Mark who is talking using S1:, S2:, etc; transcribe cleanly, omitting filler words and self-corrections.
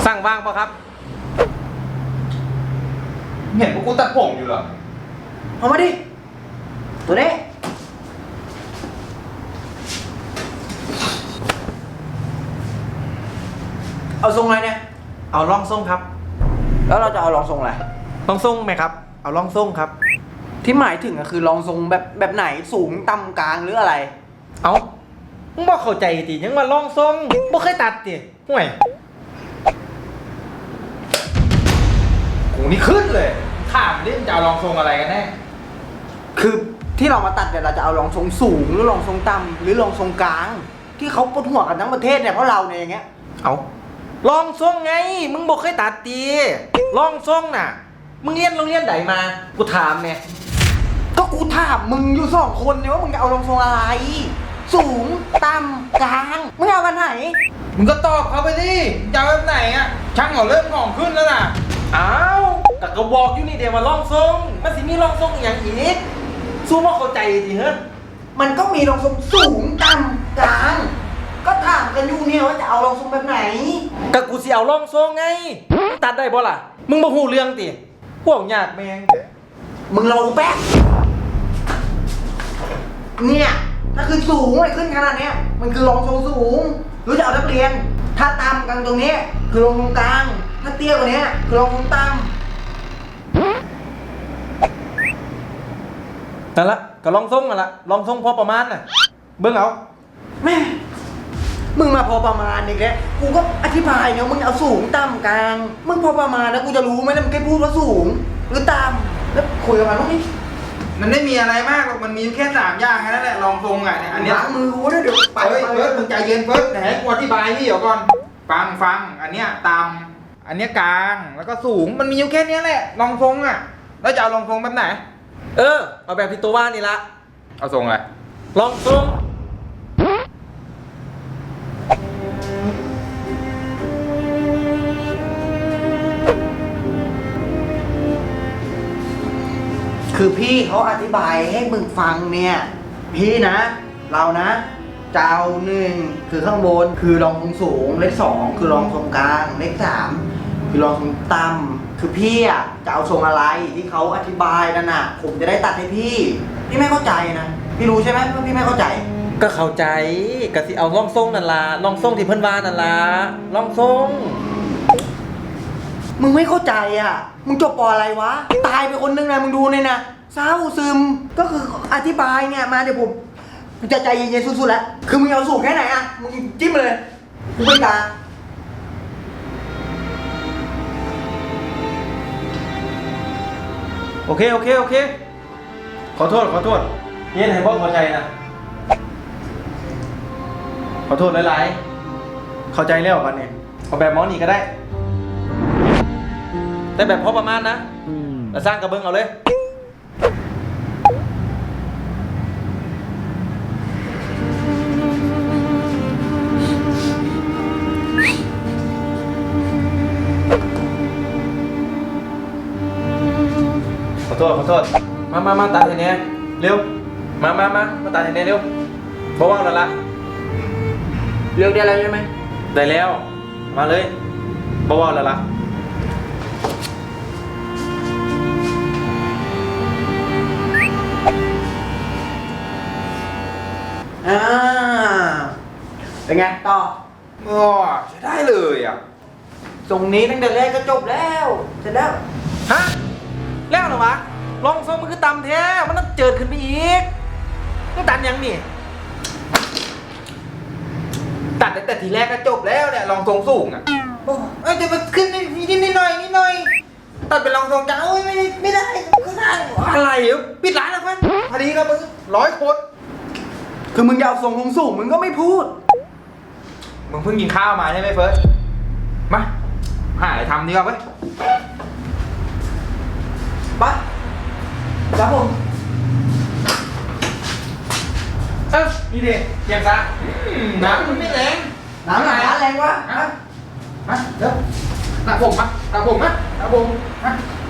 S1: สั่งว่างปะครับ
S2: เห็นพวกกูตัดผมอยู่เหรอ
S3: เอามาดิตัวนี้เอาทรงอะไรเนี่ย
S1: เอาล่องทรงครับ
S3: แล้วเราจะเอารองทรงอะไร
S1: ล่องทรงไหมครับเอาล่องทรงครับ
S3: ที่หมายถึงก็คือรองทรงแบบไหนสูงต่ำกลางหรืออะไร
S1: เอามึงบอกเข้าใจติยังมาล่องทรงบ่เคยตัดติห่วย
S2: กูนี่ขึ้นเลยถามดิมึงจะเอารองทรงอะไรกันแน่
S3: คือที่เรามาตัดเนี่ยเราจะเอารองทรงสูงหรือรองทรงต่ำหรือรองทรงกลางที่เขาปวดหัวกันทั้งประเทศเนี่ยเพราะเราเนี่ยอย่างเงี้ย
S1: เอาล่องทรงไงมึงบอกเคยตัดติล่องทรงน่ะมึงเรียนโรงเรียนไหนมากูถามเนี่ย
S3: ก็กูถามมึงอยู่สองคนเนี่ยว่ามึงจะเอารองทรงอะไรสูงต่ำกลางมึงเอากันไหน
S2: มึงก็ตอบเขาไปดิจะเอาแบบไหนอะช่างเขาเริ่มของขึ้นแล้วน่ะ
S1: อ้าวแต่ก็บอกอยู่นี่เดี๋ยวมาล่องทรงมันสิมีล่องทรงอย่างอีกสู้ว่าเข้าใจดิเฮ้ย
S3: มันก็มีรองทรงสูงต่ำกลางก็ถามกันอยู่เนี่ยว่าจะเอารองทรงแบบไหน
S1: ก็กูสิเอาล่องทรงไงตัดได้บ่ล่ะมึงบ่ฮู้เรื่องติพวกยากแม่ง
S3: มึงลองแป๊บเนี่ยถ้าคือสูงไอ้ขึ้นขนาดเนี้ยมันคือรองทรงสูงหรือจะเอานักเรียนถ้าต่ำกลางตรงนี้คือรองทรงกลางถ้าเตี้ยกว่านี้คือรองทรงต่ำ
S1: นั่นละก็ลองทรงนั่นละลองทรงพอประมาณน่ะเบิ่งเอา
S3: แม่มึงมาพอประมาณอีกแล้วกูก็อธิบายเนี่ยมึงเอาสูงต่ำกลางมึงพอประมาณแล้วกูจะรู้ไหมนะมึงแค่พูดว่าสูงหรือต่ำแล้วคุยกับมันว่านี่
S2: มันไม่มีอะไรมากหรอกมันมีแค่3 อย่างแค่นั้นแหละรองทรงอ่ะเนี่ยอันเนี้ย
S3: ล้างมือกูด้วยเดี๋ยว
S2: ไปเฟิร์สมึงใจเย็นเฟิร์สไหนกูอธิบายให้เดี๋ยวก่อนฟังอันเนี้ยต่ำอันเนี้ยกลางแล้วก็สูงมันมีอยู่แค่นี้แหละรองทรงอ่ะแล้วจะเอารองทรงแบบไหน
S1: เอาแบบที่ตัวว่านี่ละ
S2: เอาทรงอะไร
S1: ลองทรง
S3: คือพี่เขาอธิบายให้มึงฟังเนี่ยพี่นะเรานะจะเอา1คือข้างบนคือรองทรงสูงเลข2คือรองทรงกลางเลข3คือรองทรงต่ำคือพี่อ่ะจะเอาทรงอะไรที่เขาอธิบายนั่นน่ะผมจะได้ตัดให้พี่ไม่เข้าใจนะพี่รู้ใช่ไหมว่าพี่ไม่เข้าใจ
S1: ก็เข้าใจก็สิเอาล่องทรงนั่นล่ะล่องทรงที่เพิ่นว่านั่นล่ะล่องทรง
S3: มึงไม่เข้าใจอ่ะมึงจบป.อะไรวะตายไปคนนึงนะมึงดูเนี่ยนะเศร้าซึมก็คืออธิบายเนี่ยมาเดี๋ยวผมจะใจเย็นๆสุดๆแล้วคือมึงเอาสูงแค่ไหนอ่ะมึงจิ้มเลยมึงไม่กล้า
S1: โอเคขอโทษเย็นให้บ่เข้าใจนะขอโทษหลายๆเข้าใจแล้วบัดนี้เอาแบบหมอนี่ก็ได้แต่แบบพอประมาณนะแล้วสร้างกระเบื้องเอาเลยขอโทษมาตัดให้แน่เร็วมาตัดให้แน่เร็วบอกว่าแล้วละ
S3: เลือกได้แล้วใช่ไหม
S1: ได้แล้วมาเลยบอกว่าแล้วละ
S3: เป็นไงต่อ
S2: ใช้ได้เลยอ่ะ
S3: ตรงนี้ตั้งแต่แรกก็จบแล้วเสร็จแล้ว
S1: ฮะแล้วเหรอวะลองทรงมันคือตำแท้มันต้องเจิดขึ้นไปอีกต้องตัดยังนี่
S2: ตัดแต่ทีแรกก็จบแล้วเนี่ยรองทรงสูงอ่ะจะมาขึ้นนิดหน่อยตัดเป็นรองทรงจ้าไม่ได้
S1: อะไรปิดร้านแล้วเพื่อน
S2: พอดีครับมึง100 คน
S3: คือมึงจะเอาทรงสูงมึงก็ไม่พูด
S2: มึงเพิ่งกินข้าวมาใช่ไหมเฟิร์สมาหาอะไรทำดีกว่าเว้ย
S3: ไปครับผม
S2: นี่ดิเยี่ยมซะน้ำมันไม่แรง
S3: น้ำแรงวะ
S2: มาเดี๋ยวตาผมมา